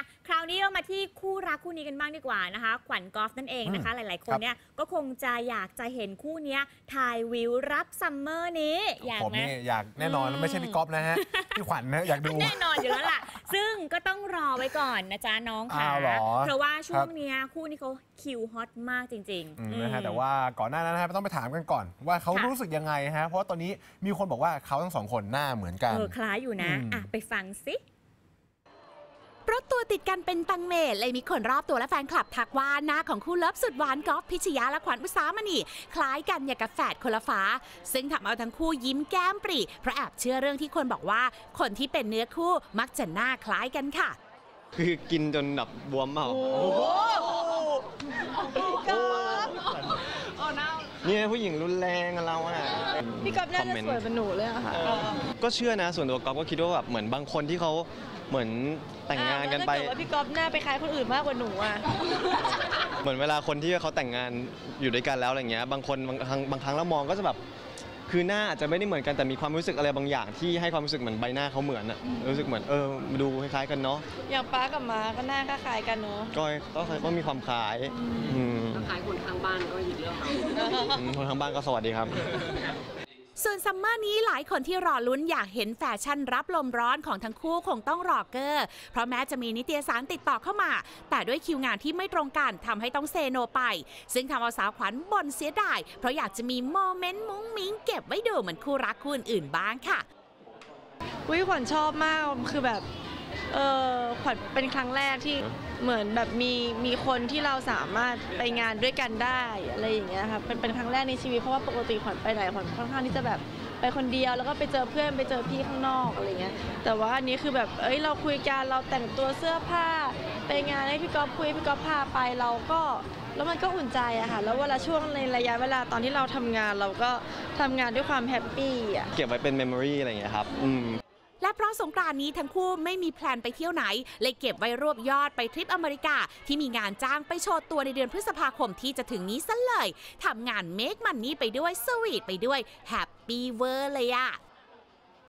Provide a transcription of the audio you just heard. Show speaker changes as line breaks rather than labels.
คราวนี้เรามาที่คู่รักคู่นี้กันบ้างดีกว่านะคะขวัญกอล์ฟนั่นเองนะคะหลายๆคนเนี่ยก็คงจะอยากจะเห็นคู่นี้ถ่ายวิวรับซัมเมอร์นี้
ผมนี่อยากแน่นอนไม่ใช่พี่กอล์ฟนะฮะพี่ขวัญนะอยากดู
แน่นอนอยู่แล้วล่ะซึ่งก็ต้องรอไว้ก่อนนะจ๊ะน้องค่ะเพราะว่าช่วงนี้คู่นี้เขาคิวฮอตมากจริง
ๆนะฮะแต่ว่าก่อนหน้านั้นนะฮะต้องไปถามกันก่อนว่าเขารู้สึกยังไงฮะเพราะว่าตอนนี้มีคนบอกว่าเขาทั้งสองคนหน้าเหมือนกัน
คล้ายอยู่นะไปฟังสิ
เพราะตัวติดกันเป็นตังเมเลยมีคนรอบตัวและแฟนคลับทักว่าหน้าของคู่เลิฟสุดหวานกอล์ฟพิชยาและขวัญอุสามณีคล้ายกันอย่างกับแฝดคนละฟ้าซึ่งทำเอาทั้งคู่ยิ้มแก้มปรีเพราะแอบเชื่อเรื่องที่คนบอกว่าคนที่เป็นเนื้อคู่มักจะหน้าคล้ายกันค่ะ
คือกินจนแบบบวมเมานี่ผู้หญิงรุนแรงเราอ่ะ
พี่ก๊อฟน่าจะสวยเป็นหนูเลยอะค่ะ
ก็เชื่อนะส่วนตัวก๊อฟก็คิดว่าแบบเหมือนบางคนที่เขาเหมือนแต่งงานกันไป
ว่าพี่ก๊อฟหน้าไปคล้ายคนอื่นมากกว่าหนูอ่ะ
เหมือนเวลาคนที่เขาแต่งงานอยู่ด้วยกันแล้วอะไรเงี้ยบางคนบางครั้งเรามองก็จะแบบคือหน้าอาจจะไม่ได้เหมือนกันแต่มีความรู้สึกอะไรบางอย่างที่ให้ความรู้สึกเหมือนใบหน้าเขาเหมือนอะรู้สึกเหมือนดูคล้ายๆกันเนาะ
อย่างป้ากับม้าก็หน้าคล้ายกันเนาะ
ก็มีความคล้าย
คล้ายคนข้างบ้านก็อีกเรื่อง
คนข้างบ้านก็สวัสดีครับ
ส่วนซัมเมอร์นี้หลายคนที่รอลุ้นอยากเห็นแฟชั่นรับลมร้อนของทั้งคู่คงต้องรอเกอร์เพราะแม้จะมีนิตยสารติดต่อเข้ามาแต่ด้วยคิวงานที่ไม่ตรงกันทำให้ต้องเซโนไปซึ่งทำเอาสาวขวัญบ่นเสียดายเพราะอยากจะมีโมเมนต์มุ้งมิ้งเก็บไว้ดูเหมือนคู่รักคู่อื่นบ้างค่ะ
ขวัญชอบมากคือแบบขวัญเป็นครั้งแรกที่เหมือนแบบมีคนที่เราสามารถไปงานด้วยกันได้อะไรอย่างเงี้ยค่ะเป็นครั้งแรกในชีวิตเพราะว่าปกติขวัญไปไหนขวัญค่อนข้างที่จะแบบไปคนเดียวแล้วก็ไปเจอเพื่อนไปเจอพี่ข้างนอกอะไรเงี้ยแต่ว่าอันนี้คือแบบเราคุยกันเราแต่งตัวเสื้อผ้าไปงานให้พี่ก๊อฟคุยพี่ก๊อฟพาไปเราก็แล้วมันก็อุ่นใจอะค่ะแล้วเวลาช่วงในระยะเวลาตอนที่เราทำงานเราก็ทำงานด้วยความแฮปปี้อะ
เก็บไว้เป็นเมมโมรีอะไรอย่างเงี้ยครับ
และเพราะสงกรานต์นี้ทั้งคู่ไม่มีแพลนไปเที่ยวไหนเลยเก็บไว้รวบยอดไปทริปอเมริกาที่มีงานจ้างไปโชว์ตัวในเดือนพฤษภาคมที่จะถึงนี้ซะเลยทำงานเมคมันนี่ไปด้วยสวีทไปด้วยแฮปปี้เวอร์เลยอะ